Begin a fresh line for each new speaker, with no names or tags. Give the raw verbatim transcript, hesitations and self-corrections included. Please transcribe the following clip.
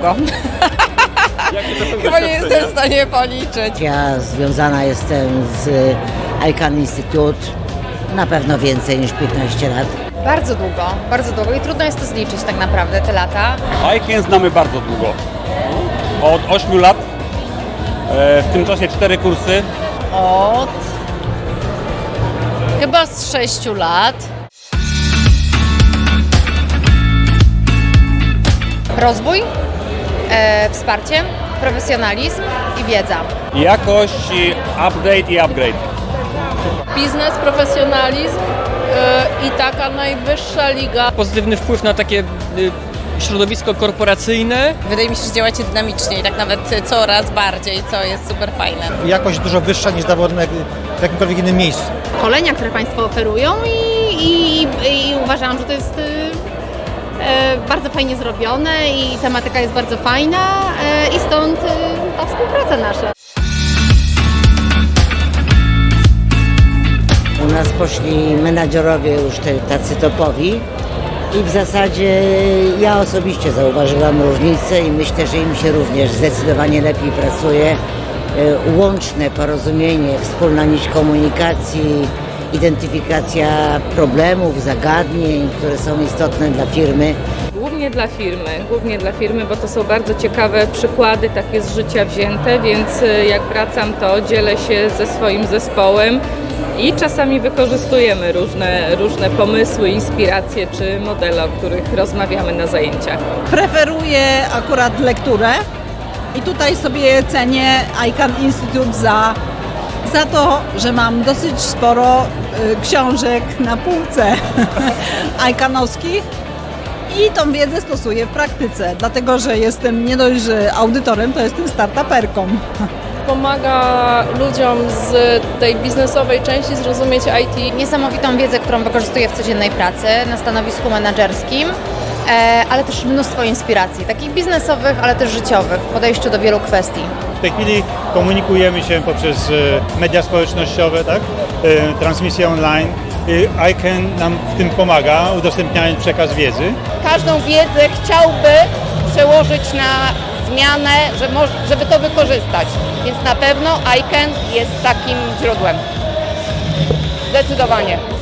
długo. Chyba nie jestem w stanie policzyć.
Ja związana jestem z I C A N Institute na pewno więcej niż piętnaście lat.
Bardzo długo, bardzo długo i trudno jest to zliczyć tak naprawdę, te lata.
I C A N znamy bardzo długo. Od ośmiu lat. E, w tym czasie cztery kursy.
Od chyba z sześciu lat.
Rozwój, e, wsparcie, profesjonalizm i wiedza.
Jakość, update i upgrade.
Biznes, profesjonalizm yy, i taka najwyższa liga.
Pozytywny wpływ na takie y, środowisko korporacyjne.
Wydaje mi się, że działacie dynamicznie i tak nawet coraz bardziej, co jest super fajne.
Jakość dużo wyższa niż zawodne w jakimkolwiek innym miejscu.
Szkolenia, które Państwo oferują i, i, i uważam, że to jest e, bardzo fajnie zrobione i tematyka jest bardzo fajna e, i stąd e, ta współpraca nasza.
U nas poszli menadżerowie już te, tacy topowi i w zasadzie ja osobiście zauważyłam różnicę i myślę, że im się również zdecydowanie lepiej pracuje. Łączne porozumienie, wspólna nić komunikacji, identyfikacja problemów, zagadnień, które są istotne dla firmy.
Głównie dla firmy, głównie dla firmy, bo to są bardzo ciekawe przykłady takie z życia wzięte, więc jak wracam, to dzielę się ze swoim zespołem i czasami wykorzystujemy różne, różne pomysły, inspiracje czy modele, o których rozmawiamy na zajęciach.
Preferuję akurat lekturę i tutaj sobie cenię I C A N Institute za, za to, że mam dosyć sporo y, książek na półce I C A N-owskich i tą wiedzę stosuję w praktyce, dlatego że jestem nie dość, że audytorem, to jestem startuperką.
Pomaga ludziom z tej biznesowej części zrozumieć I T.
Niesamowitą wiedzę, którą wykorzystuję w codziennej pracy na stanowisku menedżerskim, e, ale też mnóstwo inspiracji, takich biznesowych, ale też życiowych w podejściu do wielu kwestii.
W tej chwili komunikujemy się poprzez e, media społecznościowe, tak? e, transmisje online. E, I C A N nam w tym pomaga, udostępniając przekaz wiedzy.
Każdą wiedzę chciałby przełożyć na zmianę, żeby to wykorzystać. Więc na pewno I C A N jest takim źródłem. Zdecydowanie.